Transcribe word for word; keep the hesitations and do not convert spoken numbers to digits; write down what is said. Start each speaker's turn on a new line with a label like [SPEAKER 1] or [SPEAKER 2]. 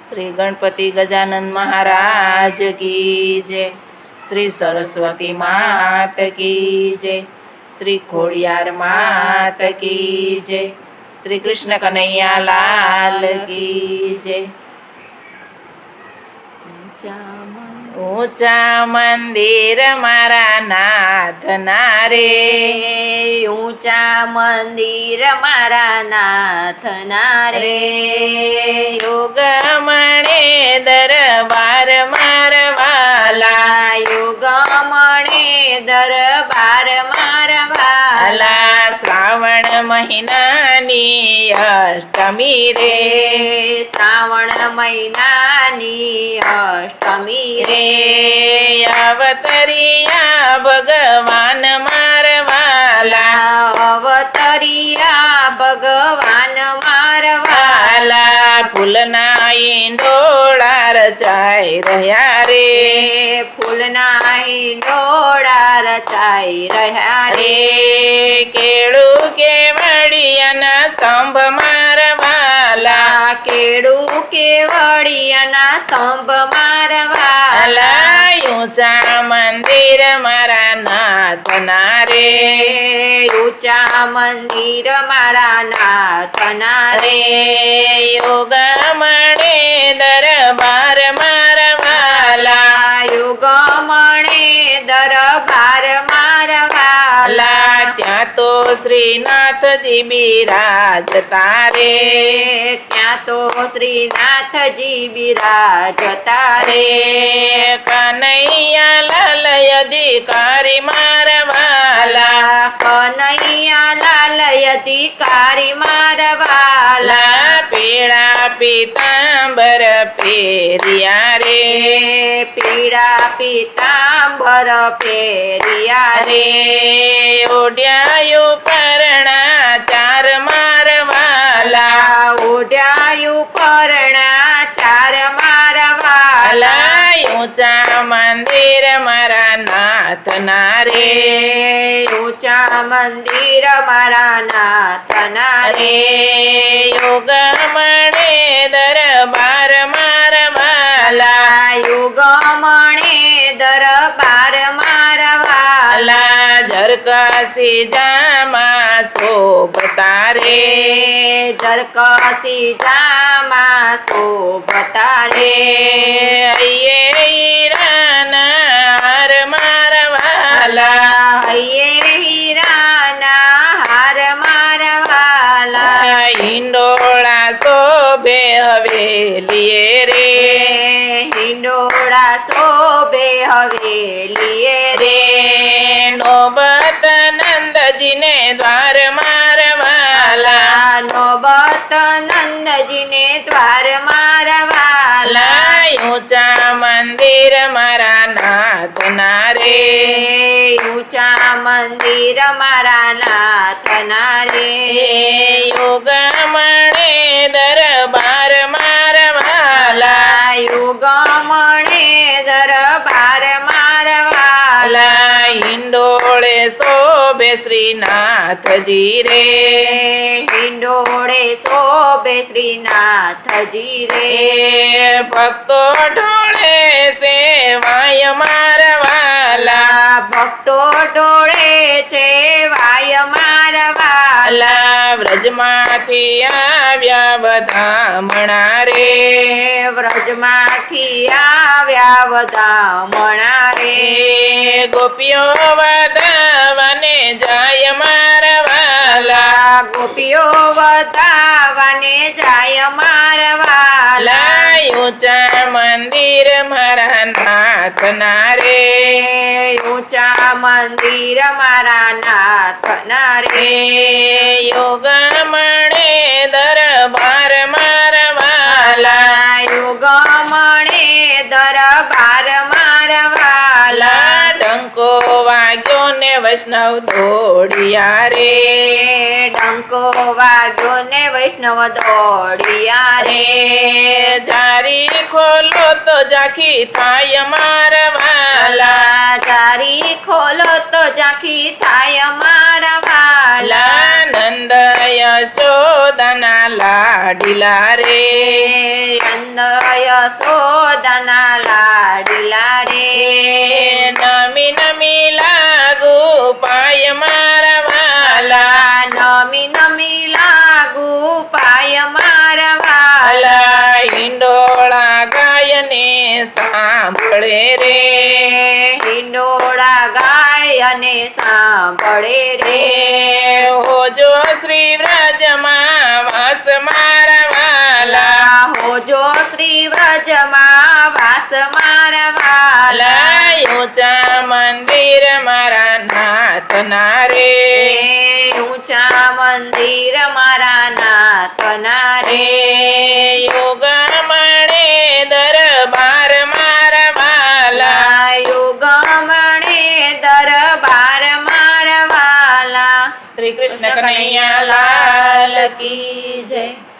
[SPEAKER 1] श्री गणपति गजानन महाराज की जय। श्री सरस्वती मात की जय। श्री खोड़ियार मात की जय। श्री कृष्ण कन्हैया लाल की जय। ऊंचा मंदिर मारा नाथ नारे,
[SPEAKER 2] ऊंचा मंदिर मारा नाथ नारे,
[SPEAKER 1] योग मणे दरबार मारवाला,
[SPEAKER 2] योग मणे दरबार मारवाला,
[SPEAKER 1] श्रावण महिनानी अष्टमी रे,
[SPEAKER 2] श्रावण महिनानी अष्टमी रे,
[SPEAKER 1] अवतरिया भगवान मारवाला,
[SPEAKER 2] अवतरिया भगवान मारवाला,
[SPEAKER 1] फूलना इंडोळा रचाई रह्या रे,
[SPEAKER 2] फूलना इंडोळा रचाई रह्या रे,
[SPEAKER 1] केळू केवडियाना स्तंभ मारवाला,
[SPEAKER 2] केळू केवडियाना स्तंभ मारवाला,
[SPEAKER 1] ऊंचा मंदिर मारा नाथ नारे,
[SPEAKER 2] ऊंचा मंदिर मारा नाथ नारे,
[SPEAKER 1] योग मणे दरबार मारवाला,
[SPEAKER 2] योग मणे दरबार मारवाला,
[SPEAKER 1] त्या तो श्रीनाथजी बिराजता रे,
[SPEAKER 2] त्या तो श्रीनाथजी बिराजता रे,
[SPEAKER 1] कन्हैया लाल अधिकारी मारवाला,
[SPEAKER 2] कन्हैया लाल अधिकारी मारवाला,
[SPEAKER 1] पीळा पीतांबर पेरिया रे,
[SPEAKER 2] पीळा पीतांबर पेरिया रे,
[SPEAKER 1] ओढ्यायु परणा चार मारवाला,
[SPEAKER 2] ओढ्यायु परणा चार मारवाला,
[SPEAKER 1] ऊंचा मंदिर मारा नाथ नारे,
[SPEAKER 2] ऊंचा मंदिर मारा नाथ नारे,
[SPEAKER 1] योग मणे दरबार मारवाला,
[SPEAKER 2] योग मणे दरबार मारवाला,
[SPEAKER 1] झरकासी जामा शोभता रे,
[SPEAKER 2] झरकासी जामा शोभता रे,
[SPEAKER 1] ये हिराना हार मारवाला,
[SPEAKER 2] ये हिराना हार मारवाला,
[SPEAKER 1] हिंडोळा शोभे हवेलिये रे,
[SPEAKER 2] हिंडोळा शोभे हवेलिये रे,
[SPEAKER 1] नोबत नंदजीने द्वार मारवाला,
[SPEAKER 2] नोबत नंदजीने द्वार मारवाला,
[SPEAKER 1] ऊंचा मंदिर मारा नाथ नारे,
[SPEAKER 2] ऊंचा मंदिर मारा नाथ नारे,
[SPEAKER 1] योग मणे दरबार मारवाला,
[SPEAKER 2] योग मणे दरबार मारवाला,
[SPEAKER 1] हिंडोळे शोभे श्रीनाथजी रे,
[SPEAKER 2] हिंडोळे शोभे श्रीनाथजी रे,
[SPEAKER 1] भक्तो डोळे सेवाय मारवाला,
[SPEAKER 2] भक्तो डोळेचे वाय मारवाला,
[SPEAKER 1] व्रजमाथी આવ્या बधामणा रे,
[SPEAKER 2] व्रजमाथी આવ્या वदामणा रे,
[SPEAKER 1] गोपियो वदावने जाय मारवाला,
[SPEAKER 2] गोपियो वदावने जाय मारवाला,
[SPEAKER 1] ऊंचा मंदिर मारा नाथ नारे,
[SPEAKER 2] ऊंचा मंदिर मारा नाथ नारे,
[SPEAKER 1] योग मणे दरबार मारवाला,
[SPEAKER 2] योग मणे दरबार मारवाला,
[SPEAKER 1] डंको वाग्यो ने वैष्णव दौड़िया रे,
[SPEAKER 2] डंको वाग्यो ने वैष्णव दौड़िया रे,
[SPEAKER 1] जारी खोलो तो जाखी थाय मारवाला,
[SPEAKER 2] ચારી ખોલો તો ઝાંખી થાય મારા વાલા
[SPEAKER 1] નંદ યશોદના લાડીલા રે
[SPEAKER 2] નંદ યશોદાના લાડીલા રે
[SPEAKER 1] નમી નમી લાગુ પાય મારા વાલા
[SPEAKER 2] નમી નમી લાગુ પાય મારા વાલા
[SPEAKER 1] વાલા હિંડોળા ગાયને સાંભળે રે
[SPEAKER 2] હિંડોળા ગાય અને સાંભળે રે
[SPEAKER 1] હોજો શ્રી વ્રજમાં વાસ મારા વાલા
[SPEAKER 2] હોજો શ્રી વ્રજમાં વાસ મારા વાલા
[SPEAKER 1] ઊંચા મંદિર મારા નાથના રે
[SPEAKER 2] ઊંચા મંદિર મારા નાથના રે
[SPEAKER 1] યોગ મળે દરબાર મારા વાલા
[SPEAKER 2] યુગમણે દરબાર મારા વાલા
[SPEAKER 1] શ્રી કૃષ્ણ કનૈયા લાલ કી જય.